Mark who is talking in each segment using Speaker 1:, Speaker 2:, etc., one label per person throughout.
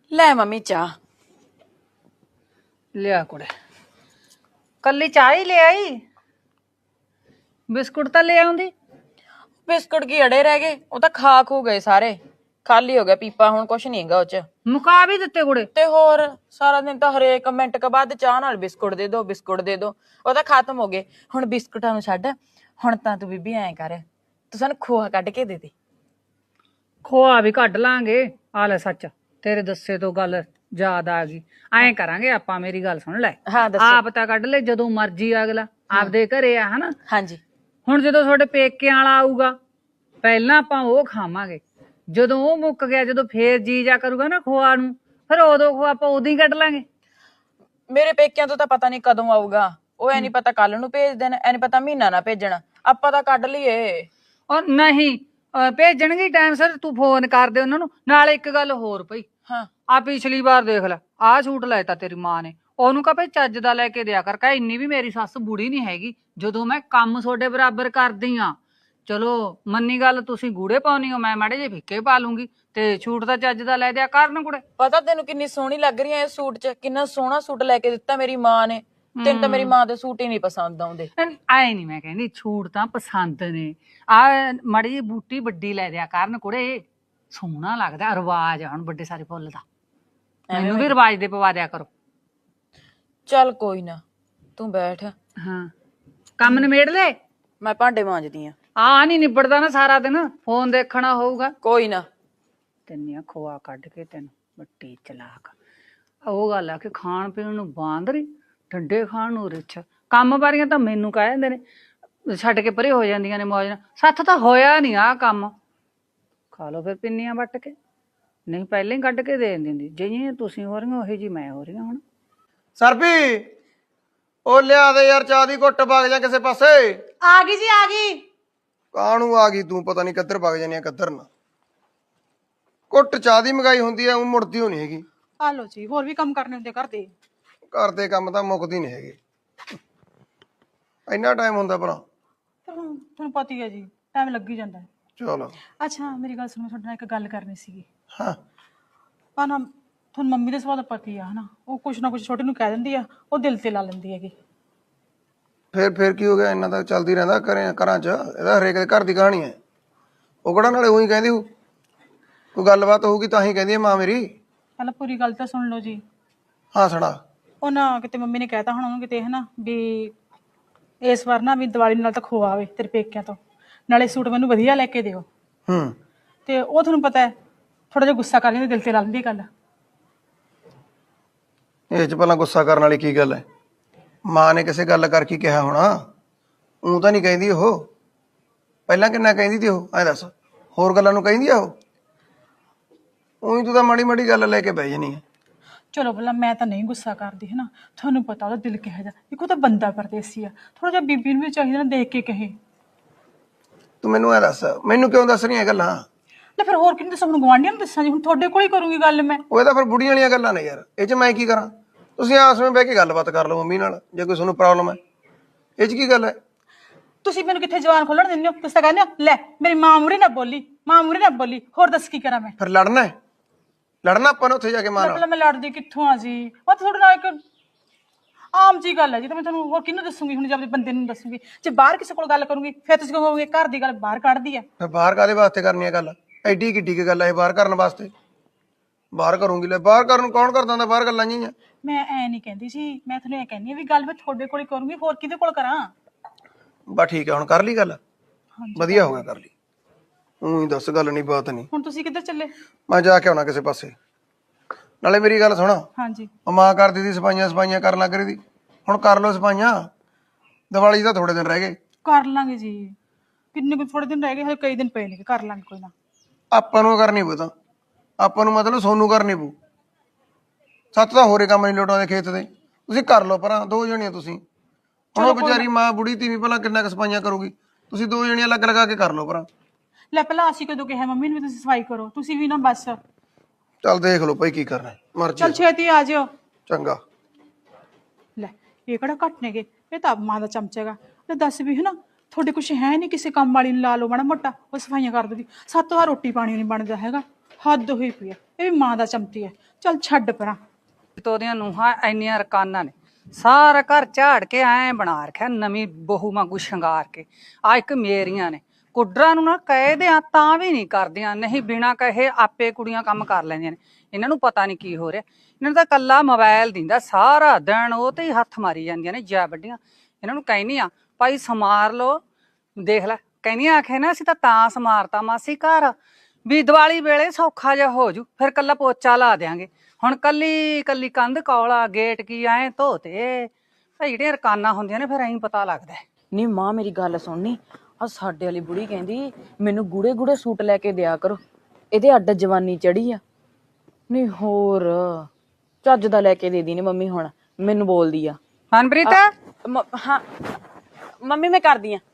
Speaker 1: ਲੈ ਮੰਮੀ ਚਾਹ
Speaker 2: ਲਿਆ ਕੁੜੇ ਕੱਲੀ ਚਾਹ ਹੀ ਲੈ ਆਈ। ਬਿਸਕੁਟ ਤਾਂ ਲੈ ਆਉਂਦੀ।
Speaker 1: ਬਿਸਕੁਟ ਕੀ ਅੜੇ ਰਹਿ ਗਏ, ਉਹ ਤਾਂ ਖਾ ਖੂ ਗਏ ਸਾਰੇ, ਖਾਲੀ ਹੋ ਗਿਆ ਪੀਪਾ, ਹੁਣ ਕੁਛ ਨਹੀਂ ਹੈਗਾ ਉਹ ਚ।
Speaker 2: ਮੁਕਾ ਵੀ ਦਿੱਤੇ ਕੁੜੇ।
Speaker 1: ਤੇ ਹੋਰ ਸਾਰਾ ਦਿਨ ਤਾਂ ਹਰੇਕ ਮਿੰਟ ਕੇ ਬਾਅਦ ਚਾਹ ਨਾਲ ਬਿਸਕੁਟ ਦੇ ਦੋ ਬਿਸਕੁਟ ਦੇ ਦੋ, ਉਹ ਤਾਂ ਖਤਮ ਹੋ ਗਏ। ਹੁਣ ਬਿਸਕੁਟਾਂ ਨੂੰ ਛੱਡ, ਹੁਣ ਤਾਂ ਤੂੰ ਬੀਬੀ ਐਂ ਕਰ, ਤੂੰ ਸਾਨੂੰ ਖੋਆ ਕੱਢ ਕੇ ਦੇ ਦੇ।
Speaker 2: ਖੋਆ ਵੀ ਕੱਢ ਲਾਂਗੇ। ਆ ਲੈ ਸੱਚ, ਤੇਰੇ ਦੱਸੇ ਤੋਂ ਗੱਲ ਯਾਦ ਆ ਗਈ। ਐਂ ਕਰਾਂਗੇ ਆਪਾਂ, ਮੇਰੀ ਗੱਲ ਸੁਣ ਲੈ।
Speaker 1: ਹਾਂ ਦੱਸੋ।
Speaker 2: ਆਪ ਤਾਂ ਕੱਢ ਲੈ ਜਦੋਂ ਮਰਜੀ, ਅਗਲਾ ਆਪਦੇ ਘਰੇ ਆ ਹਨਾ।
Speaker 1: ਹਾਂਜੀ
Speaker 2: ਹੁਣ ਜਦੋਂ ਤੁਹਾਡੇ ਪੇਕਿਆਂ ਵਾਲਾ ਆਊਗਾ, ਪਹਿਲਾਂ ਆਪਾਂ ਉਹ ਖਾਵਾਂਗੇ। ਜਦੋਂ ਉਹ ਮੁੱਕ ਗਿਆ, ਜਦੋਂ ਫੇਰ ਜੀ ਜਾ ਕਰੂਗਾ ਨਾ ਖੋਆ ਨੂੰ, ਫਿਰ ਉਦੋਂ ਖੋਆ ਆਪਾਂ ਉਦੋਂ ਹੀ ਕੱਢ ਲਾਂਗੇ।
Speaker 1: ਮੇਰੇ ਪੇਕਿਆਂ ਤੋਂ ਤਾਂ ਪਤਾ ਨਹੀਂ ਕਦੋਂ ਆਊਗਾ, ਉਹ ਐ ਨੀ ਪਤਾ ਕੱਲ ਨੂੰ ਭੇਜ ਦੇਣ, ਐ ਨੀ ਪਤਾ ਮਹੀਨਾ ਨਾ ਭੇਜਣ, ਆਪਾਂ ਤਾਂ ਕੱਢ ਲਈਏ।
Speaker 2: ਔਰ ਨਹੀਂ ਭੇਜਣਗੇ ਟਾਈਮ ਸਿਰ, ਤੂੰ ਫੋਨ ਕਰ ਦੇ ਉਹਨਾਂ ਨੂੰ। ਨਾਲੇ ਇੱਕ ਗੱਲ ਹੋਰ ਪਈ,
Speaker 1: ਹਾਂ
Speaker 2: ਆ ਪਿਛਲੀ ਵਾਰ ਦੇਖ ਲੈ, ਆਹ ਸੂਟ ਲੈਤਾ ਤੇਰੀ ਮਾਂ ਨੇ, ਉਹਨੂੰ ਕਹ ਭਈ ਚੱਜ ਦਾ ਲੈ ਕੇ ਦਿਆ ਕਰ। ਕਹ ਇੰਨੀ ਵੀ ਮੇਰੀ ਸੱਸ ਬੁੜੀ ਨਹੀਂ ਹੈਗੀ, ਜਦੋਂ ਮੈਂ ਕੰਮ ਤੁਹਾਡੇ ਬਰਾਬਰ ਕਰਦੀ ਆ। ਚਲੋ ਮੰਨੀ ਗੱਲ, ਤੁਸੀਂ ਗੂੜੇ ਪਾਉਣੀ ਹੋ, ਮੈਂ ਮਾੜੇ ਜਿਹੇ ਫਿੱਕੇ ਪਾ ਲੂੰਗੀ, ਤੇ ਛੂਟ ਤਾਂ ਚੱਜ ਦਾ ਲੈ ਦਿਆ ਕਰਨ ਕੁੜੇ।
Speaker 1: ਪਤਾ ਤੈਨੂੰ ਕਿੰਨੀ ਸੋਹਣੀ ਲੱਗ ਰਹੀ ਐ ਇਸ ਸੂਟ 'ਚ, ਕਿੰਨਾ ਸੋਹਣਾ ਸੂਟ ਲੈ ਕੇ ਦਿੱਤਾ ਮੇਰੀ ਮਾਂ ਨੇ। ਤੈਨੂੰ ਤਾਂ ਮੇਰੀ ਮਾਂ ਦੇ ਸੂਟ ਹੀ ਨਹੀਂ ਪਸੰਦ ਆਉਂਦੇ।
Speaker 2: ਆਏ ਨਹੀਂ ਮੈਂ ਕਹਿੰਦੀ, ਛੂਟ ਤਾਂ ਪਸੰਦ ਨੇ। ਆ ਮਾੜੀ ਜਿਹੀ ਬੂਟੀ ਵੱਡੀ ਲੈ ਦਿਆ ਕਰਨ ਕੁੜੇ, ਸੋਹਣਾ ਲੱਗਦਾ। ਰਿਵਾਜ ਆ ਹੁਣ ਵੱਡੇ ਸਾਰੇ ਫੁੱਲ ਦਾ, ਮੈਨੂੰ ਵੀ ਰਿਵਾਜ ਦੇ ਪਵਾ ਦਿਆ ਕਰੋ।
Speaker 1: ਚੱਲ ਕੋਈ ਨਾ, ਤੂੰ ਬੈਠ।
Speaker 2: ਹਾਂ ਕੰਮ ਨਿਬੇੜ ਲੈ।
Speaker 1: ਮੈਂ ਭਾਂਡੇ ਮਾਂਜਦੀ ਆ।
Speaker 2: ਆ ਨਹੀਂ ਨਿਬੜਦਾ ਨਾ, ਸਾਰਾ ਦਿਨ ਫੋਨ ਦੇਖਣਾ ਹੋਊਗਾ।
Speaker 1: ਕੋਈ ਨਾ।
Speaker 2: ਤੈਨੂੰ ਖੋਆ ਕੱਢ ਕੇ, ਤੈਨੂੰ ਵੱਟੀ ਚਲਾਕ। ਉਹ ਗੱਲ ਆ ਕਿ ਖਾਣ ਪੀਣ ਨੂੰ ਬਾਂਦਰੀ, ਠੰਡੇ ਖਾਣ ਨੂੰ ਰਿੱਛ। ਕੰਮ ਬਾਰੀਆਂ ਤਾਂ ਮੈਨੂੰ ਕਹਿ ਜਾਂਦੇ ਨੇ, ਛੱਡ ਕੇ ਪਰੇ ਹੋ ਜਾਂਦੀਆਂ ਨੇ ਮੌਜ ਨਾਲ। ਸੱਥ ਤਾਂ ਹੋਇਆ ਨਹੀਂ ਆ ਕੰਮ। ਖਾ ਲਓ ਫਿਰ ਪਿੰਨੀਆਂ ਵੱਟ ਕੇ, ਨਹੀਂ ਪਹਿਲਾਂ ਹੀ ਕੱਢ ਕੇ ਦੇ ਦਿੰਦੀ। ਜਿਹੀਆਂ ਤੁਸੀਂ ਹੋ ਰਹੀਆਂ ਉਹੀ ਜੀ ਮੈਂ ਹੋ ਰਹੀ ਹਾਂ ਹੁਣ।
Speaker 3: ਸਰਪੀ ਉਹ ਲਿਆ ਦੇ ਯਾਰ, ਚਾਹ ਦੀ ਘੁੱਟ ਵਗ ਜਾ ਕਿਸੇ ਪਾਸੇ।
Speaker 4: ਆ ਗਈ ਜੀ, ਆ ਗਈ।
Speaker 3: ਕਾਹਨੂੰ ਆ ਗਈ ਤੂੰ, ਪਤਾ ਨਹੀਂ ਕਿੱਧਰ ਵਗ ਜਾਨੀ ਆ ਕਿੱਧਰ ਨਾ। ਘੁੱਟ ਚਾਹ ਦੀ ਮੰਗਾਈ ਹੁੰਦੀ ਆ, ਉਹ ਮੁੜਦੀ ਹੋਣੀ ਹੈਗੀ।
Speaker 4: ਆ ਲੋ ਜੀ, ਹੋਰ ਵੀ ਕੰਮ ਕਰਨੇ ਹੁੰਦੇ ਘਰ ਦੇ।
Speaker 3: ਘਰ ਦੇ ਕੰਮ ਤਾਂ ਮੁੱਕਦੀ ਨਹੀਂ ਹੈਗੇ, ਇੰਨਾ ਟਾਈਮ ਹੁੰਦਾ ਭਲਾ।
Speaker 4: ਫਿਰ ਹੁਣ ਤੁਹਾਨੂੰ ਪਤਾ ਹੀ ਹੈ ਜੀ, ਟਾਈਮ ਲੱਗ ਹੀ ਜਾਂਦਾ ਹੈ।
Speaker 3: ਚਲੋ
Speaker 4: ਅੱਛਾ ਮੇਰੀ ਗੱਲ ਸੁਣੋ, ਤੁਹਾਡੇ ਨਾਲ ਇੱਕ ਗੱਲ ਕਰਨੀ ਸੀਗੀ।
Speaker 3: ਹਾਂ।
Speaker 4: ਆ ਨਾ ਤੁਹਾਨੂੰ ਮੰਮੀ ਦੇ ਸੁਭਾਅ ਦਾ ਪਤਾ ਹੀ ਆ ਹਨਾ, ਉਹ ਕੁਛ ਨਾ ਕੁਛ ਛੋਟੇ ਨੂੰ ਕਹਿ ਦਿੰਦੀ ਆ, ਉਹ ਦਿਲ ਤੇ ਲਾ ਲੈਂਦੀ ਹੈਗੀ।
Speaker 3: ਫਿਰ ਕੀ ਹੋ ਗਿਆ, ਇੰਨਾ ਤਾਂ ਚੱਲਦੀ ਰਹਿੰਦਾ ਘਰਾਂ 'ਚ। ਇਹਦਾ ਹਰੇਕ ਦੇ ਘਰ ਦੀ ਕਹਾਣੀ ਹੈ। ਉਹ ਕਿਹੜਾ ਨਾਲੇ ਉਹੀ ਕਹਿੰਦੀ ਹੋ, ਕੋਈ ਗੱਲਬਾਤ ਹੋਊਗੀ ਤਾਂ ਹੀ ਕਹਿੰਦੀ ਹੈ ਮਾਂ ਮੇਰੀ।
Speaker 4: ਪਹਿਲਾਂ ਪੂਰੀ ਗੱਲ ਤਾਂ ਸੁਣ ਲਓ ਜੀ।
Speaker 3: ਹਾਂ ਸੁਣਾ।
Speaker 4: ਉਹ ਨਾ ਕਿਤੇ ਮੰਮੀ ਨੇ ਕਹਿਤਾ ਹੁਣ ਉਹਨੂੰ ਕਿਤੇ ਹਨਾ ਵੀ ਇਸ ਵਾਰ ਨਾ ਵੀ ਦੀਵਾਲੀ ਨਾਲ ਤਾਂ ਖੋਆ ਆਵੇ ਤੇਰੇ ਪੇਕਿਆਂ ਤੋਂ, ਨਾਲੇ ਸੂਟ ਮੈਨੂੰ ਵਧੀਆ ਲੈ ਕੇ ਦਿਓ।
Speaker 3: ਹੂੰ।
Speaker 4: ਤੇ ਉਹ ਤੁਹਾਨੂੰ ਪਤਾ ਹੈ ਥੋੜਾ ਜਿਹਾ ਗੁੱਸਾ ਕਰ ਲੈਂਦੀ, ਦਿਲ ਤੇ ਲਾ ਲੈਂਦੀ ਗੱਲ।
Speaker 3: ਇਹ 'ਚ ਪਹਿਲਾਂ ਗੁੱਸਾ ਕਰਨ ਵਾਲੀ ਕੀ ਗੱਲ ਹੈ? ਮਾਂ ਨੇ ਕਿਸੇ ਗੱਲ ਕਰਕੇ ਕਿਹਾ ਹੋਣਾ, ਊਂ ਤਾਂ ਨਹੀਂ ਕਹਿੰਦੀ ਉਹ। ਪਹਿਲਾਂ ਕਿੰਨਾ ਕਹਿੰਦੀ ਤੀ ਉਹ, ਐਂ ਦੱਸ। ਹੋਰ ਗੱਲਾਂ ਨੂੰ ਕਹਿੰਦੀ ਆ ਉਹ? ਊਂ ਤੂੰ ਤਾਂ ਮਾੜੀ ਮਾੜੀ ਗੱਲ ਲੈ ਕੇ ਬਹਿ ਜਾਨੀ ਹੈ।
Speaker 4: ਚਲੋ ਭਲਾ ਮੈਂ ਤਾਂ ਨਹੀਂ ਗੁੱਸਾ ਕਰਦੀ ਹੈ ਨਾ, ਤੁਹਾਨੂੰ ਪਤਾ ਉਹਦਾ ਦਿਲ ਕਿਹੋ ਜਿਹਾ। ਇੱਕ ਉਹ ਤਾਂ ਬੰਦਾ ਪਰਦੇਸੀ ਆ, ਥੋੜਾ ਜਿਹਾ ਬੀਬੀ ਨੂੰ ਵੀ ਚਾਹੀਦਾ ਨਾ ਦੇਖ ਕੇ ਕਹੇ।
Speaker 3: ਤੂੰ ਮੈਨੂੰ ਐਂ ਦੱਸ, ਮੈਨੂੰ ਕਿਉਂ ਦੱਸ ਰਹੀ ਹੈ ਗੱਲਾਂ?
Speaker 4: ਲੈ ਫਿਰ ਹੋਰ ਕਿਹਨੂੰ ਦੱਸਾਂ, ਹੁਣ ਗੁਆਂਢੀਆਂ ਨੂੰ ਦੱਸਾਂ ਜੀ, ਹੁਣ ਤੁਹਾਡੇ ਕੋਲ ਹੀ ਕਰੂੰਗੀ ਗੱਲ ਮੈਂ।
Speaker 3: ਉਹ ਤਾਂ ਫਿਰ ਬੁੜੀਆਂ ਵਾਲੀਆਂ ਗੱਲਾਂ ਨੇ ਯਾਰ, ਇਹ 'ਚ ਮੈਂ ਕੀ ਕਰਾਂ? ਤੁਸੀਂ ਆਸ ਵਿੱਚ ਬਹਿ ਕੇ ਗੱਲਬਾਤ ਕਰ ਲਓ ਮੰਮੀ ਨਾਲ, ਜੇ ਕੋਈ ਤੁਹਾਨੂੰ ਪ੍ਰੋਬਲਮ ਹੈ। ਇਹ 'ਚ ਕੀ ਗੱਲ ਹੈ?
Speaker 4: ਤੁਸੀਂ ਮੈਨੂੰ ਕਿੱਥੇ ਜਵਾਨ ਖੋਲਣ ਦਿੰਦੇ ਹੋ? ਤੁਸੀਂ ਤਾਂ ਕਹਿੰਦੇ ਹੋ ਲੈ ਮੇਰੀ ਮਾਂ ਮੂਹਰੇ ਨਾ ਬੋਲੀ, ਮਾਂ ਮੂਹਰੇ ਨਾ ਬੋਲੀ। ਹੋਰ ਦੱਸ ਕੀ ਕਰਾਂ ਮੈਂ?
Speaker 3: ਫਿਰ ਲੜਨਾ ਹੈ? ਲੜਨਾ ਆਪਾਂ ਨੇ ਉੱਥੇ ਜਾ ਕੇ ਮਾਂ ਨਾਲ?
Speaker 4: ਪਹਿਲਾਂ ਮੈਂ ਲੜਦੀ ਕਿੱਥੋਂ ਆ ਜੀ, ਉਹ ਤਾਂ ਤੁਹਾਡੇ ਨਾਲ ਇੱਕ ਆਮ ਜੀ ਗੱਲ ਹੈ ਜੀ। ਤਾਂ ਮੈਂ ਤੁਹਾਨੂੰ ਹੋਰ ਕਿਹਨੂੰ ਦੱਸੂਗੀ ਹੁਣ, ਜੇ ਆਪਣੇ ਬੰਦੇ ਨੂੰ ਦੱਸੂਗੀ। ਜੇ ਬਾਹਰ ਕਿਸੇ ਕੋਲ ਗੱਲ ਕਰੂੰਗੀ ਫਿਰ ਤੁਸੀਂ ਕਹੋਗੇ ਘਰ ਦੀ ਗੱਲ ਬਾਹਰ ਕੱਢਦੀ ਆ।
Speaker 3: ਫਿਰ ਬਾਹਰ ਕਾਹਦੇ ਵਾਸਤੇ ਕਰਨੀ ਹੈ ਗੱਲ? ਐਡੀ ਕਿੱਡੀ ਕੀ ਗੱਲ ਹੈ ਇਹ ਬਾਹਰ ਕਰਨ ਵਾਸਤੇ? ਬਾਹਰ ਕਰੂੰਗੀ? ਲੈ ਬਾਹਰ ਕਰਨ ਨੂੰ ਕੌਣ ਕਰਦਾ ਹੁੰਦਾ ਬਾਹਰ ਗੱਲਾਂ ਜਿਹੀਆਂ?
Speaker 4: ਮੈਂ ਐ ਨਹੀਂ ਕਹਿੰਦੀ ਜੀ, ਮੈਂ ਤੁਹਾਨੂੰ ਇਹ ਕਹਿੰਦੀ ਆ ਵੀ ਗੱਲ ਮੈਂ ਤੁਹਾਡੇ ਕੋਲ ਹੀ ਕਰੂੰਗੀ, ਹੋਰ ਕਿਹਦੇ ਕੋਲ ਕਰਾਂ?
Speaker 3: ਬਸ ਠੀਕ ਹੈ, ਹੁਣ ਕਰ ਲਈ ਗੱਲ। ਵਧੀਆ ਹੋ ਗਿਆ ਕਰ ਲਈ। ਊਂ ਹੀ ਦੱਸ, ਗੱਲ ਨਹੀਂ ਬਾਤ ਨਹੀਂ।
Speaker 4: ਹੁਣ ਤੁਸੀਂ ਕਿੱਧਰ ਚੱਲੇ?
Speaker 3: ਮੈਂ ਜਾ ਕੇ ਆਉਣਾ ਕਿਸੇ ਪਾਸੇ। ਨਾਲੇ ਮੇਰੀ ਗੱਲ ਸੁਣ,
Speaker 4: ਹਾਂਜੀ।
Speaker 3: ਉਹ ਮਾਂ ਕਰਦੀ ਸੀ ਸਫਾਈਆਂ ਕਰਨ ਲੱਗ ਰਹੀ ਸੀ, ਹੁਣ ਕਰ ਲਓ ਸਫਾਈਆਂ। ਦੀਵਾਲੀ ਦਾ ਥੋੜੇ ਦਿਨ ਰਹਿ ਗਏ।
Speaker 4: ਕਰ ਲਾਂਗੇ ਜੀ, ਕਿੰਨੇ ਕੁ ਥੋੜੇ ਦਿਨ ਰਹਿ ਗਏ, ਹਜੇ ਕਈ ਦਿਨ ਪਏ ਨੇ, ਕਰ ਲਾਂਗੇ ਕੋਈ ਨਾ।
Speaker 3: ਆਪਾਂ ਨੂੰ ਕਰਨੀ ਪਊ ਤਾਂ, ਆਪਾਂ ਨੂੰ ਮਤਲਬ ਸੋਨੂੰ ਕਰਨੀ ਪਊ। ਸੱਤ ਤਾਂ ਹੋਰੇ ਕੰਮ ਨਹੀਂ ਲੋਟਾਉਂਦੇ ਖੇਤ ਦੇ। ਤੁਸੀਂ ਕਰ ਲਓ ਪਰਾਂ, ਦੋ ਜਣੀਆਂ ਤੁਸੀਂ। ਹੁਣ ਉਹ ਵਿਚਾਰੀ ਮਾਂ ਬੁੜੀ ਤੀਵੀਂ ਭਲਾ ਕਿੰਨਾ ਕੁ ਸਫਾਈਆਂ ਕਰੂਗੀ? ਤੁਸੀਂ ਦੋ ਜਣੀਆਂ ਲੱਗ ਲਗਾ ਕੇ ਕਰ ਲਓ ਪਰਾਂ।
Speaker 4: ਲੈ ਪਹਿਲਾਂ ਅਸੀਂ ਕਦੋਂ ਕਿਹਾ ਮੰਮੀ ਨੂੰ ਵੀ ਤੁਸੀਂ ਸਫਾਈ ਕਰੋ? ਤੁਸੀਂ ਵੀ ਨਾ ਬਸ।
Speaker 3: ਚੱਲ ਦੇਖ ਲਓ ਭਾਈ ਕੀ ਕਰਨਾ, ਮਰਜ਼ੀ।
Speaker 4: ਚੱਲ ਛੇਤੀ ਆ ਜਿਓ।
Speaker 3: ਚੰਗਾ।
Speaker 4: ਲੈ ਇਹ ਕਿਹੜਾ ਘੱਟ ਨੇਗੇ, ਇਹ ਤਾਂ ਮਾਂ ਦਾ ਚਮਚਾ ਗਾ। ਲੈ ਦੱਸ ਵੀ ਹਨਾ ਤੁਹਾਡੇ ਕੁਛ ਹੈ ਨਹੀਂ, ਕਿਸੇ ਕੰਮ ਵਾਲੀ ਨੂੰ ਲਾ ਲਓ ਮਾੜਾ ਮੋਟਾ, ਉਹ ਸਫਾਈਆਂ ਕਰ ਦੂਗੀ। 7 ਵਾਰ ਰੋਟੀ ਪਾਣੀ ਨਹੀਂ ਬਣਦਾ ਹੈਗਾ, ਹੱਦ ਹੋਈ ਪਈ ਆ। ਇਹ ਵੀ ਮਾਂ ਦਾ ਚਮਚੀ ਹੈ। ਚੱਲ ਛੱਡ ਪਰਾਂ।
Speaker 2: ਤੇ ਉਹਦੀਆਂ ਨੂੰਹਾਂ ਇੰਨੀਆਂ ਰਕਾਨਾਂ ਨੇ, ਸਾਰਾ ਘਰ ਝਾੜ ਕੇ ਐ ਬਣਾ ਰੱਖਿਆ ਨਵੀਂ ਬਹੂ ਵਾਂਗੂ ਸ਼ਿੰਗਾਰ ਕੇ। ਆ ਇੱਕ ਮੇਰੀਆਂ ਨੇ, ਕੁੱਡਰਾਂ ਨੂੰ ਨਾ ਕਹਿ ਦਿਆਂ ਤਾਂ ਵੀ ਨਹੀਂ ਕਰਦੀਆਂ, ਨਹੀਂ ਬਿਨਾਂ ਕਹੇ ਆਪੇ ਕੁੜੀਆਂ ਕੰਮ ਕਰ ਲੈਂਦੀਆਂ ਨੇ। ਇਹਨਾਂ ਨੂੰ ਪਤਾ ਨਹੀਂ ਕੀ ਹੋ ਰਿਹਾ, ਇਹਨਾਂ ਨੂੰ ਤਾਂ ਕੱਲਾ ਮੋਬਾਈਲ ਦਿੰਦਾ, ਸਾਰਾ ਦਿਨ ਉਹ ਤੇ ਹੀ ਹੱਥ ਮਾਰੀ ਜਾਂਦੀਆਂ ਨੇ ਜੈ ਵੱਡੀਆਂ। ਇਹਨਾਂ ਨੂੰ ਕਹਿਨੀ ਆ ਭਾਈ ਸਮਾਰ ਲੋ, ਦੇਖ ਲੈ ਕਹਿੰਦੀਆਂ ਆਖੇ ਨਾ ਅਸੀਂ ਤਾਂ ਸਮਾਰਤਾ ਮਾਸੀ ਘਰ ਵੀ ਦੀਵਾਲੀ ਵੇਲੇ ਸੌਖਾ ਜਿਹਾ ਹੋ ਜੂ, ਫਿਰ ਕੱਲਾ ਪੋਚਾ ਲਾ ਦਿਆਂਗੇ। ਹੁਣ ਕੱਲੀ ਕੱਲੀ ਕੰਧ ਕੌਲਾ ਗੇਟ ਕੀ ਐ ਧੋਤੇ ਭਾਈ, ਜਿਹੜੀਆਂ ਰਕਾਨਾਂ ਹੁੰਦੀਆਂ ਨੇ ਫਿਰ ਐਂ ਪਤਾ ਲੱਗਦਾ।
Speaker 1: ਨਹੀਂ ਮਾਂ ਮੇਰੀ ਗੱਲ ਸੁਣਨੀ, ਆ ਸਾਡੇ ਵਾਲੀ ਬੁੜੀ ਕਹਿੰਦੀ ਮੈਨੂੰ ਗੂੜੇ ਗੂੜੇ ਸੂਟ ਲੈ ਕੇ ਦਿਆ ਕਰੋ, ਇਹਦੇ ਅੱਡ ਜਵਾਨੀ ਚੜੀ ਆ। ਨਹੀਂ ਹੋਰ ਚੱਜ ਦਾ ਲੈ ਕੇ ਦੇ ਦੀ ਨੀ ਮੰਮੀ, ਹੁਣ ਮੈਨੂੰ ਬੋਲਦੀ ਆ।
Speaker 2: ਮਨਪ੍ਰੀਤ
Speaker 1: ਹਾਂ ਮੰਮੀ ਮੈਂ ਕਰਦੀ ਆ।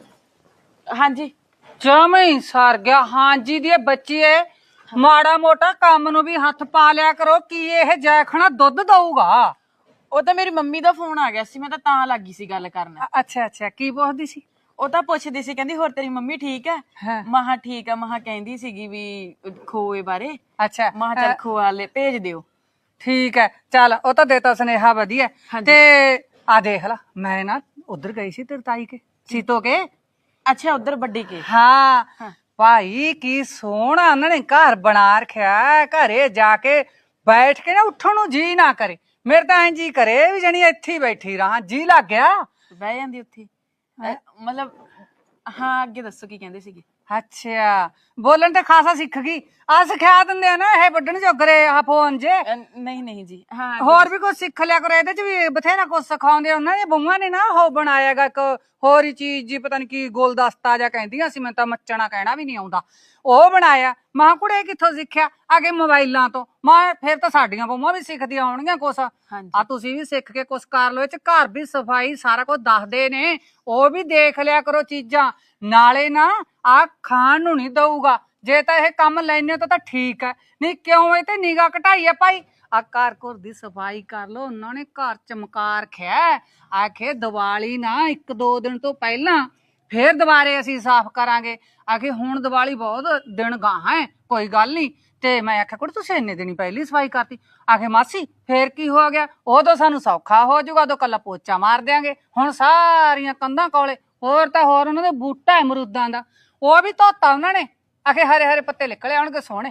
Speaker 1: ਹਾਂਜੀ
Speaker 2: ਜਮਈ ਸਰ ਗਿਆ। ਹਾਂਜੀ ਦੀ ਬੱਚੀ ਏ, ਮਾੜਾ ਮੋਟਾ ਕੰਮ ਨੂੰ ਵੀ ਹੱਥ ਪਾ ਲਿਆ ਕਰੋ। ਕੀ ਇਹ ਜੈਖਣਾ ਦੁੱਧ ਦਊਗਾ?
Speaker 1: ਉਹ ਤਾਂ ਮੇਰੀ ਮੰਮੀ ਦਾ ਫੋਨ ਆ ਗਿਆ ਸੀ, ਮੈਂ ਤਾਂ ਲੱਗੀ ਸੀ ਗੱਲ ਕਰਨ।
Speaker 2: ਅੱਛਾ ਅੱਛਾ, ਕੀ ਪੁੱਛਦੀ ਸੀ?
Speaker 1: ਉਹ ਤਾਂ ਪੁੱਛਦੀ ਸੀ, ਕਹਿੰਦੀ ਹੋਰ ਤੇਰੀ ਮੰਮੀ ਠੀਕ ਹੈ?
Speaker 2: ਹਾਂ।
Speaker 1: ਮਹਾ ਠੀਕ ਆ, ਮਹਾ ਕਹਿੰਦੀ ਸੀਗੀ ਵੀ ਖੋਏ ਬਾਰੇ।
Speaker 2: ਅੱਛਾ,
Speaker 1: ਮਹਾ ਚੱਲ ਖੋਆ ਲੈ ਭੇਜ ਦਿਓ।
Speaker 2: ਠੀਕ ਹੈ, ਚੱਲ ਉਹ ਤਾਂ ਦੇਤਾ ਸੁਨੇਹਾ, ਵਧੀਆ। ਤੇ ਆ ਦੇਖ ਲਾ, ਮੈਂ ਨਾ ਉਧਰ ਗਈ ਸੀ ਤੇਰੀ ਤਾਈ ਕੇ ਸੀਤੋ ਕੇ।
Speaker 1: ਅੱਛਾ ਉਧਰ ਵੱਡੀ ਕੇ?
Speaker 2: ਹਾਂ ਭਾਈ, ਕੀ ਸੋਹਣਾ ਉਹਨਾਂ ਨੇ ਘਰ ਬਣਾ ਰੱਖਿਆ। ਘਰੇ ਜਾ ਕੇ ਬੈਠ ਕੇ ਨਾ ਉੱਠਣ ਨੂੰ ਜੀ ਨਾ ਕਰੇ। ਮੇਰੇ ਤਾਂ ਐਂ ਜੀ ਕਰੇ ਵੀ ਜਣੀ ਇੱਥੇ ਹੀ ਬੈਠੀ ਰਹਾਂ, ਜੀ ਲੱਗ ਗਿਆ।
Speaker 1: ਬਹਿ ਜਾਂਦੀ ਉੱਥੇ ਮਤਲਬ। ਹਾਂ ਅੱਗੇ ਦੱਸੋ ਕੀ ਕਹਿੰਦੇ ਸੀਗੇ?
Speaker 2: ਅੱਛਾ, ਬੋਲਣ ਤੇ ਖਾਸਾ ਸਿੱਖ ਗਈ। ਆ ਸਿਖਾ ਦਿੰਦੇ ਆ ਨਾ ਇਹ ਵੱਢਣ ਜੋਗਰੇ ਆ ਫੋਨ ਜੇ।
Speaker 1: ਨਹੀਂ ਨਹੀਂ ਜੀ, ਹਾਂ
Speaker 2: ਹੋਰ ਵੀ ਕੁਝ ਸਿੱਖ ਲਿਆ ਕਰੋ, ਇਹਦੇ ਚ ਵੀ ਬਥੇਰਾ ਕੁਝ ਸਿਖਾਉਂਦੇ। ਉਹਨਾਂ ਦੀਆਂ ਬਹੂਆਂ ਨੇ ਨਾ ਉਹ ਬਣਾਇਆਗਾ ਇੱਕ ਹੋਰ ਹੀ ਚੀਜ਼ ਜੀ, ਪਤਾ ਨੀ ਕੀ ਗੁਲਦਸਤਾ ਜਾਂ ਕਹਿੰਦੀਆਂ ਸੀ, ਮੈਨੂੰ ਤਾਂ ਮੱਚਣਾ ਕਹਿਣਾ ਵੀ ਨਹੀਂ ਆਉਂਦਾ। ਉਹ ਬਣਾਇਆ। ਮਾਂ ਕੁੜੇ ਕਿੱਥੋਂ ਸਿੱਖਿਆ? ਆਗੇ ਮੋਬਾਈਲਾਂ ਤੋਂ। ਮਾਂ ਫਿਰ ਤਾਂ ਸਾਡੀਆਂ ਬਹੂਆਂ ਵੀ ਸਿੱਖਦੀਆਂ ਹੋਣਗੀਆਂ ਕੁਛ। ਆ ਤੁਸੀਂ ਵੀ ਸਿੱਖ ਕੇ ਕੁਛ ਕਰ ਲਓ। ਇਹ ਚ ਘਰ ਵੀ ਸਫਾਈ ਸਾਰਾ ਕੁਝ ਦੱਸਦੇ ਨੇ, ਉਹ ਵੀ ਦੇਖ ਲਿਆ ਕਰੋ ਚੀਜ਼ਾਂ। ਨਾਲੇ ਨਾ ਆ ਖਾਣ ਨੂੰ ਨਹੀਂ ਦਊਗਾ, ਜੇ ਤਾਂ ਇਹ ਕੰਮ ਲੈਣੇ ਤਾਂ ਠੀਕ ਹੈ, ਨਹੀਂ ਕਿਉਂ ਇਹ ਤੇ ਨਿਗਾਹ ਘਟਾਈ ਆ ਭਾਈ। ਆ ਘਰ ਘਰ ਦੀ ਸਫਾਈ ਕਰ ਲੋ। ਉਹਨਾਂ ਨੇ ਘਰ ਚਮਕਾ ਰੱਖਿਆ। ਆਖੇ ਦੀਵਾਲੀ ਨਾ 1-2 ਦਿਨ ਤੋਂ ਪਹਿਲਾਂ ਫੇਰ ਦੁਬਾਰੇ ਅਸੀਂ ਸਾਫ਼ ਕਰਾਂਗੇ। ਆਖੇ ਹੁਣ ਦੀਵਾਲੀ ਬਹੁਤ ਦਿਨ ਗਾਹਾਂ ਹੈ, ਕੋਈ ਗੱਲ ਨਹੀਂ। ਤੇ ਮੈਂ ਆਖਿਆ ਕੁੜੇ ਤੁਸੀਂ ਇੰਨੇ ਦਿਨ ਪਹਿਲੀ ਸਫਾਈ ਕਰਤੀ। ਆਖੇ ਮਾਸੀ ਫੇਰ ਕੀ ਹੋ ਗਿਆ, ਉਦੋਂ ਸਾਨੂੰ ਸੌਖਾ ਹੋ ਜਾਊਗਾ, ਉਦੋਂ ਕੱਲਾ ਪੋਚਾ ਮਾਰ ਦਿਆਂਗੇ। ਹੁਣ ਸਾਰੀਆਂ ਕੰਧਾਂ ਕੋਲੇ ਹੋਰ ਤਾਂ ਹੋਰ ਉਹਨਾਂ ਦੇ ਬੂਟਾ ਅਮਰੂਦਾਂ ਦਾ, ਉਹ ਵੀ ਧੋਤਾ ਉਹਨਾਂ ਨੇ। ਆਖੇ ਹਰੇ ਹਰੇ ਪੱਤੇ ਨਿਕਲੇ ਆਉਣਗੇ ਸੋਹਣੇ।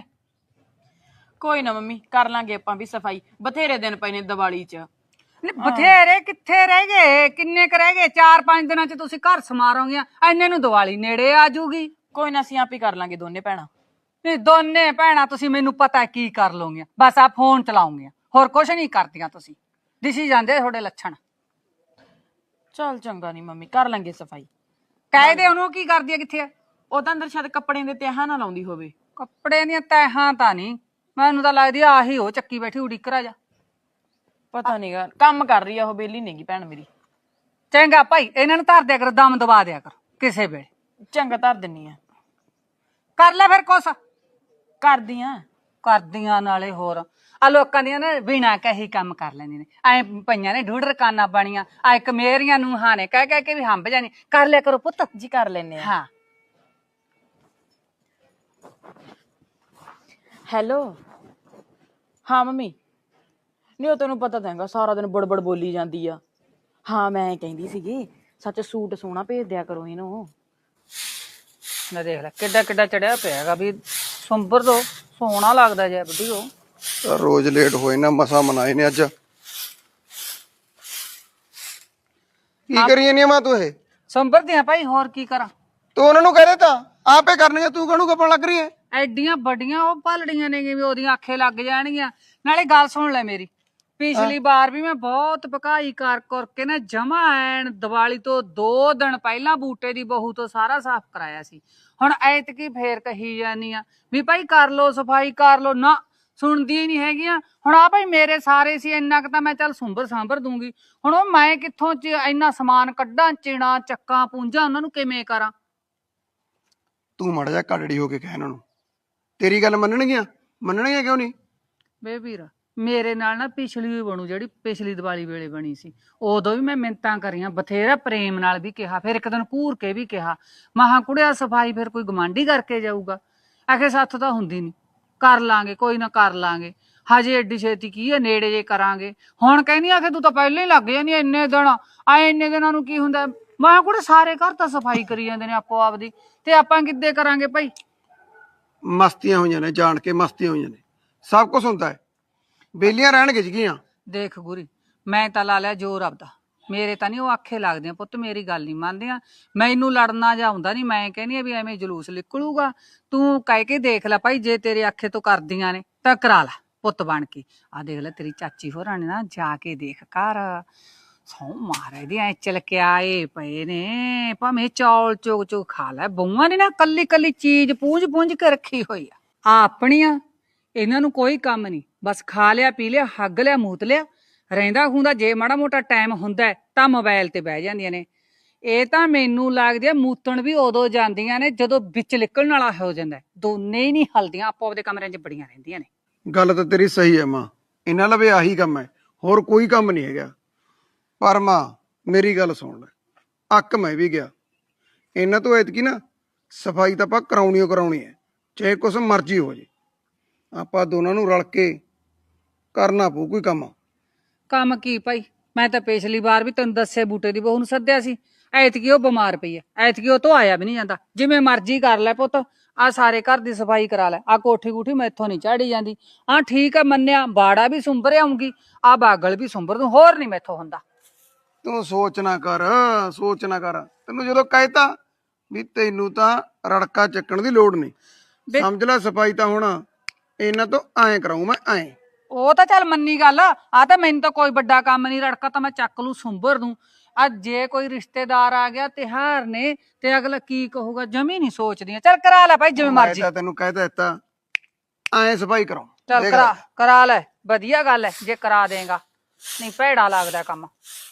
Speaker 1: ਕੋਈ ਨਾ ਮੰਮੀ, ਕਰ ਲਾਂਗੇ ਆਪਾਂ ਵੀ ਸਫਾਈ, ਬਥੇਰੇ ਦਿਨ ਪਏ ਨੇ ਦੀਵਾਲੀ 'ਚ।
Speaker 2: ਬਥੇਰੇ ਕਿੱਥੇ ਰਹਿ ਗਏ, ਕਿੰਨੇ ਕ ਰਹਿ ਗਏ? 4-5 ਦਿਨਾਂ 'ਚ ਤੁਸੀਂ ਘਰ ਸਮਾਰੋਗੀਆਂ, ਐਨੇ ਨੂੰ ਦੀਵਾਲੀ ਨੇੜੇ ਆ ਜੂਗੀ।
Speaker 1: ਕੋਈ ਨਾ ਅਸੀਂ ਆਪ ਹੀ ਕਰ ਲਾਂਗੇ ਦੋਨੇ ਭੈਣਾਂ।
Speaker 2: ਨਹੀਂ ਦੋਨੇ ਭੈਣਾਂ ਤੁਸੀਂ ਮੈਨੂੰ ਪਤਾ ਕੀ ਕਰ ਲਓਗੀਆਂ, ਬਸ ਆ ਫੋਨ ਚਲਾਉਂਗੀਆਂ, ਹੋਰ ਕੁਛ ਨਹੀਂ ਕਰਦੀਆਂ ਤੁਸੀਂ। ਦਿਸੀ ਜਾਂਦੇ ਤੁਹਾਡੇ ਲੱਛਣ।
Speaker 1: ਚੱਲ ਚੰਗਾ ਨਹੀਂ ਮੰਮੀ, ਕਰ ਲਾਂਗੇ ਸਫਾਈ।
Speaker 2: ਕਹਿ ਦੇ ਉਹਨੂੰ, ਕੀ ਕਰਦੀ ਆ, ਕਿੱਥੇ ਆ?
Speaker 1: ਉਹ ਤਾਂ ਅੰਦਰ ਸ਼ਾਇਦ ਕੱਪੜਿਆਂ ਦੇ ਤਹਾਂ ਨਾ ਲਾਉਂਦੀ ਹੋਵੇ।
Speaker 2: ਕੱਪੜੇ ਦੀਆਂ ਤੈਹਾਂ ਤਾਂ ਨਹੀਂ, ਮੈਨੂੰ ਤਾਂ ਲੱਗਦੀ ਆਹੀ ਉਹ ਚੱਕੀ ਬੈਠੀ ਉਡੀਕਰਾ ਜਾ।
Speaker 1: ਪਤਾ ਨਹੀਂਗਾ, ਕੰਮ ਕਰ ਰਹੀ ਆ ਉਹ, ਬੇਲੀ ਨਹੀਂਗੀ ਭੈਣ ਮੇਰੀ।
Speaker 2: ਚੰਗਾ ਭਾਈ, ਇਹਨਾਂ ਨੂੰ ਧਰ ਦਿਆ ਕਰੋ, ਦਮ ਦਬਾ ਦਿਆ ਕਰੋ ਕਿਸੇ ਵੇਲੇ।
Speaker 1: ਚੰਗਾ ਧਰ ਦਿੰਨੀ ਆ।
Speaker 2: ਕਰ ਲੈ ਫਿਰ ਕੁਛ।
Speaker 1: ਕਰਦੀਆਂ
Speaker 2: ਨਾਲੇ ਹੋਰ ਆ ਲੋਕਾਂ ਦੀਆਂ ਨਾ ਬਿਨਾਂ ਕਹੀ ਕੰਮ ਕਰ ਲੈਂਦੇ ਨੇ। ਐ ਪਈਆਂ ਨੇ ਢੂੜ ਰਕਾਨਾਂ ਬਣੀਆਂ। ਆ ਇੱਕ ਮੇਰੀਆਂ ਨੂੰਹਾਂ ਨੇ ਕਹਿ ਕੇ ਵੀ ਹੰਬ ਜਾਣੀ। ਕਰ ਲਿਆ ਕਰੋ ਪੁੱਤ
Speaker 1: ਜੀ, ਕਰ ਲੈਨੇ ਆ।
Speaker 2: ਹਾਂ।
Speaker 1: ਹੈਲੋ। ਹਾਂ ਮੰਮੀ। ਨਹੀਂ ਉਹ ਤੈਨੂੰ ਪਤਾ ਤਾਂ ਹੈਗਾ, ਸਾਰਾ ਦਿਨ ਬੜਬੜ ਬੋਲੀ ਜਾਂਦੀ ਆ। ਹਾਂ ਮੈਂ ਕਹਿੰਦੀ ਸੀਗੀ ਸੱਚ ਸੂਟ ਸੋਹਣਾ ਭੇਜ ਦਿਆ ਕਰੋ ਇਹਨੂੰ।
Speaker 2: ਮੈਂ ਦੇਖ ਲੈ ਕਿੱਡਾ ਕਿੱਡਾ ਚੜਿਆ ਪਿਆ ਹੈਗਾ ਵੀ ਸੰਭਰ ਦੋ, ਸੋਹਣਾ ਲੱਗਦਾ ਜੇ ਬੁੱਢੀ। ਉਹ
Speaker 3: ਰੋਜ਼ ਲੇਟ ਹੋਏ ਨਾ, ਮਸਾ ਮਨਾਏ ਨੇ ਅੱਜ। ਕੀ ਕਰੀ ਜਾਂਦੀ ਮਾਂ ਤੂੰ? ਇਹ
Speaker 2: ਸੰਭਰਦੇ ਆ ਭਾਈ, ਹੋਰ ਕੀ ਕਰਾਂ?
Speaker 3: ਤੂੰ ਉਹਨਾਂ ਨੂੰ ਕਹਿ ਦੇ ਤਾਂ ਆਪੇ ਕਰਨਗੇ, ਤੂੰ ਕਾਹਨੂੰ ਕੱਪਣ ਲੱਗ ਰਹੀ ਹੈ?
Speaker 2: ਐਡੀਆਂ ਵੱਡੀਆਂ ਉਹ ਭਲੜੀਆਂ ਨੇ ਵੀ ਉਹਦੀਆਂ ਆਖੇ ਲੱਗ ਜਾਣਗੀਆਂ। ਨਾਲੇ ਗੱਲ ਸੁਣ ਲੈ ਮੇਰੀ, ਪਿਛਲੀ ਵਾਰ ਵੀ ਮੈਂ ਬਹੁਤ ਭਕਾਈ ਕਰ ਕਰਕੇ ਨਾ ਜਮਾ ਐਨ ਦੀਵਾਲੀ ਤੋਂ 2 ਦਿਨ ਪਹਿਲਾਂ ਬੂਟੇ ਦੀ ਬਹੂ ਤੋਂ ਸਾਰਾ ਸਾਫ਼ ਕਰਾਇਆ ਸੀ। ਹੁਣ ਐਤਕੀ ਫੇਰ ਕਹੀ ਜਾਨੀ ਆ ਵੀ ਭਾਈ ਕਰ ਲੋ ਸਫਾਈ ਕਰ ਲੋ, ਨਾ ਸੁਣਦੀ ਹੀ ਨਹੀਂ ਹੈਗੀਆਂ। ਹੁਣ ਆ ਭਾਈ ਮੇਰੇ ਸਾਰੇ ਸੀ, ਇੰਨਾ ਕੁ ਤਾਂ ਮੈਂ ਚੱਲ ਸਾਂਭਰ ਦੂੰਗੀ। ਹੁਣ ਉਹ ਮੈਂ ਕਿੱਥੋਂ ਇੰਨਾ ਸਮਾਨ ਕੱਢਾਂ, ਚਿਣਾ ਚੱਕਾਂ ਪੂੰਜਾਂ, ਉਹਨਾਂ ਨੂੰ ਕਿਵੇਂ ਕਰਾਂ?
Speaker 3: ਤੂੰ ਮਾੜਾ ਜਿਹਾ ਕੜੜੀ ਹੋ ਕੇ ਕਹਿ ਇਹਨਾਂ ਨੂੰ, ਤੇਰੀ ਗੱਲ ਮੰਨਣਗੀਆਂ ਕਿਉਂ ਨਹੀਂ?
Speaker 2: ਵੇ ਵੀਰ, ਮੇਰੇ ਨਾਲ ਨਾ ਪਿਛਲੀ ਵੀ ਬਣੂ, ਜਿਹੜੀ ਪਿਛਲੀ ਦੀਵਾਲੀ ਵੇਲੇ ਬਣੀ ਸੀ, ਉਦੋਂ ਵੀ ਮੈਂ ਮਿੰਨਤਾਂ ਕਰੀਆਂ, ਬਥੇਰਾ ਪ੍ਰੇਮ ਨਾਲ ਵੀ ਕਿਹਾ, ਫਿਰ ਇੱਕ ਦਿਨ ਘੂਰ ਕੇ ਵੀ ਕਿਹਾ। ਮਹਾਂ ਕੁੜਿਆ ਸਫਾਈ ਫਿਰ ਕੋਈ ਗਵਾਂਢੀ ਕਰਕੇ ਜਾਊਗਾ? ਆਖੇ ਸਾਥੋਂ ਤਾਂ ਹੁੰਦੀ ਨਹੀਂ, ਕਰ ਲਾਂਗੇ ਕੋਈ ਨਾ ਕਰ ਲਾਂਗੇ, ਹਜੇ ਏਡੀ ਛੇਤੀ ਕੀ ਹੈ, ਨੇੜੇ ਜੇ ਕਰਾਂਗੇ। ਹੁਣ ਕਹਿੰਦੀ ਆ ਕਿ ਤੂੰ ਤਾਂ ਪਹਿਲਾਂ ਹੀ ਲੱਗ ਜਾਂਦੀ ਇੰਨੇ ਦਿਨ, ਇੰਨੇ ਦਿਨਾਂ ਨੂੰ ਕੀ ਹੁੰਦਾ। ਮੈਂ ਕੋਲ ਸਾਰੇ ਘਰ ਤਾਂ ਸਫਾਈ ਕਰੀ ਜਾਂਦੇ ਨੇ ਆਪੋ ਆਪਦੀ, ਤੇ ਆਪਾਂ ਕਿੱਦੇ ਕਰਾਂਗੇ ਭਾਈ।
Speaker 3: ਮਸਤੀਆਂ ਹੋਈਆਂ ਨੇ, ਜਾਣ ਕੇ ਮਸਤੀਆਂ ਹੋਈਆਂ ਨੇ, ਸਭ ਕੁਝ ਹੁੰਦਾ ਹੈ। ਬੇਲੀਆਂ ਰਹਿਣਗੇ ਜਗੀਆਂ।
Speaker 2: ਦੇਖ ਗੁਰੀ, ਮੈਂ ਤਾਂ ਲਾ ਲਿਆ ਜ਼ੋਰ ਆਪਦਾ, ਮੇਰੇ ਤਾਂ ਨਹੀਂ ਉਹ ਆਖੇ ਲੱਗਦੀਆਂ ਪੁੱਤ, ਮੇਰੀ ਗੱਲ ਨਹੀਂ ਮੰਨਦੀਆਂ। ਮੈਨੂੰ ਲੜਨਾ ਜਾਂ ਆਉਂਦਾ ਨਹੀਂ, ਮੈਂ ਕਹਿੰਦੀ ਆ ਵੀ ਐਵੇਂ ਜਲੂਸ ਨਿਕਲੂਗਾ। ਤੂੰ ਕਹਿ ਕੇ ਦੇਖ ਲੈ ਭਾਈ, ਜੇ ਤੇਰੇ ਆਖੇ ਤੋਂ ਕਰਦੀਆਂ ਨੇ ਤਾਂ ਕਰਾ ਲੈ ਪੁੱਤ ਬਣ ਕੇ। ਆ ਦੇਖ ਲੈ ਤੇਰੀ ਚਾਚੀ ਹੋਰਾਂ ਨੇ ਨਾ ਜਾ ਕੇ ਦੇਖ ਕਰ, ਸੌ ਮਾਰੇ ਦੀ ਐ ਚਲਕੇ ਆਏ ਪਏ ਨੇ, ਭਾਵੇਂ ਚੌਲ ਚੁਗ ਚੁਗ ਖਾ ਲੈ। ਬਹੂਆਂ ਨੇ ਨਾ ਕੱਲੀ ਕੱਲੀ ਚੀਜ਼ ਪੂੰਝ ਪੂੰਝ ਕੇ ਰੱਖੀ ਹੋਈ ਆ ਆਪਣੀਆਂ, ਇਹਨਾਂ ਨੂੰ ਕੋਈ ਕੰਮ ਨਹੀਂ, ਬਸ ਖਾ ਲਿਆ ਪੀ ਲਿਆ, ਹੱਗ ਲਿਆ ਮੂਤ ਲਿਆ, ਰਹਿੰਦਾ ਖੂੰਦਾ ਜੇ ਮਾੜਾ ਮੋਟਾ ਟਾਈਮ ਹੁੰਦਾ ਤਾਂ ਮੋਬਾਈਲ ਤੇ ਬਹਿ ਜਾਂਦੀਆਂ ਨੇ। ਇਹ ਤਾਂ ਮੈਨੂੰ ਲੱਗਦੀ ਆ ਮੂਤਣ ਵੀ ਉਦੋਂ ਜਾਂਦੀਆਂ ਨੇ ਜਦੋਂ ਵਿੱਚ ਨਿਕਲਣ ਵਾਲਾ ਹੋ ਜਾਂਦਾ, ਦੋਨੇ ਹੀ ਨਹੀਂ ਹਲਦੀਆਂ, ਆਪੋ ਆਪਦੇ ਕਮਰਿਆਂ 'ਚ ਬੜੀਆਂ ਰਹਿੰਦੀਆਂ ਨੇ।
Speaker 3: ਗੱਲ ਤਾਂ ਤੇਰੀ ਸਹੀ ਹੈ ਮਾਂ, ਇਹਨਾਂ ਲਵੇ ਆਹੀ ਕੰਮ ਹੈ, ਹੋਰ ਕੋਈ ਕੰਮ ਨਹੀਂ ਹੈਗਾ। ਪਰ ਮਾਂ ਮੇਰੀ ਗੱਲ ਸੁਣ ਲੈ, ਅੱਕ ਮੈਂ ਵੀ ਗਿਆ ਇਹਨਾਂ ਤੋਂ। ਐਤਕੀ ਨਾ ਸਫਾਈ ਤਾਂ ਆਪਾਂ ਕਰਾਉਣੀ ਓ ਕਰਾਉਣੀ ਹੈ, ਚਾਹੇ ਕੁਛ ਮਰਜ਼ੀ ਹੋ ਜੇ। ਆਪਾਂ ਦੋਨਾਂ ਨੂੰ ਰਲ ਕੇ ਕਰਨਾ ਪਊ ਕੋਈ ਕੰਮ।
Speaker 2: ਕੰਮ ਕੀ ਭਾਈ, ਮੈਂ ਤਾਂ ਪਿਛਲੀ ਵਾਰ ਵੀ ਤੈਨੂੰ ਦੱਸਿਆ ਬੂਟੇ ਦੀ ਬਹੂ ਨੂੰ ਸੱਦਿਆ ਸੀ, ਐਤਕੀ ਉਹ ਬਿਮਾਰ ਪਈ ਐ, ਐਤਕੀ ਉਹ ਤੋਂ ਆਇਆ ਵੀ ਨਹੀਂ ਜਾਂਦਾ। ਜਿਵੇਂ ਮਰਜ਼ੀ ਕਰ ਲੈ ਪੁੱਤ, ਆ ਸਾਰੇ ਘਰ ਦੀ ਸਫਾਈ ਕਰਾ ਲੈ, ਆ ਕੋਠੀ ਕੂਠੀ ਮੈਥੋਂ ਨਹੀਂ ਝਾੜੀ ਜਾਂਦੀ। ਹਾਂ ਠੀਕ ਆ ਮੰਨਿਆ, ਬਾੜਾ ਵੀ ਸੁੰਬਰ ਆਉਂਗੀ, ਆ ਬਾਗਲ ਵੀ ਸੁੰਬਰ ਦੂੰ, ਹੋਰ ਨਹੀਂ ਮੈਥੋਂ ਹੁੰਦਾ।
Speaker 3: ਤੂੰ ਸੋਚ ਨਾ ਕਰ, ਸੋਚ ਨਾ ਕਰ। ਤੈਨੂੰ ਜਦੋਂ ਕਹਿਤਾ ਵੀ ਤੈਨੂੰ ਤਾਂ ਰੜਕਾ ਚੱਕਣ ਦੀ ਲੋੜ ਨਹੀਂ, ਸਮਝ ਲੈ ਸਫਾਈ ਤਾਂ ਹੁਣ ਇਹਨਾਂ ਤੋਂ ਐਂ ਕਰਾਉ ਮੈਂ, ਐਂ।
Speaker 2: ਉਹ ਤਾਂ ਚੱਲ ਮੰਨੀ ਗੱਲ, ਆ ਤਾਂ ਮੈਨੂੰ ਤਾਂ ਕੋਈ ਵੱਡਾ ਕੰਮ ਨਹੀਂ, ਰੜਕਾ ਤਾਂ ਮੈਂ ਚੱਕ ਲੂ ਸੁੰਬਰ ਦੂੰ। ਅੱਜ ਜੇ ਕੋਈ ਰਿਸ਼ਤੇਦਾਰ ਆ ਗਿਆ ਤਿਉਹਾਰ ਨੇ ਤੇ ਅਗਲਾ ਕੀ ਕਹੂਗਾ, ਜਮੀ ਨਹੀਂ ਸੋਚਦੀਆਂ। ਚੱਲ ਕਰਾ ਲੈ ਭਾਈ ਜਿਵੇਂ ਮਰਜ਼ੀ।
Speaker 3: ਮੈਂ ਤਾਂ ਤੈਨੂੰ ਕਹਿ ਦਿੱਤਾ ਐਂ ਸਫਾਈ ਕਰਾਉ।
Speaker 2: ਚੱਲ ਕਰਾ ਲੈ, ਵਧੀਆ ਗੱਲ ਹੈ ਜੇ ਕਰਾ ਦੇਗਾ, ਨਹੀਂ ਭੈੜਾ ਲੱਗਦਾ ਕੰਮ।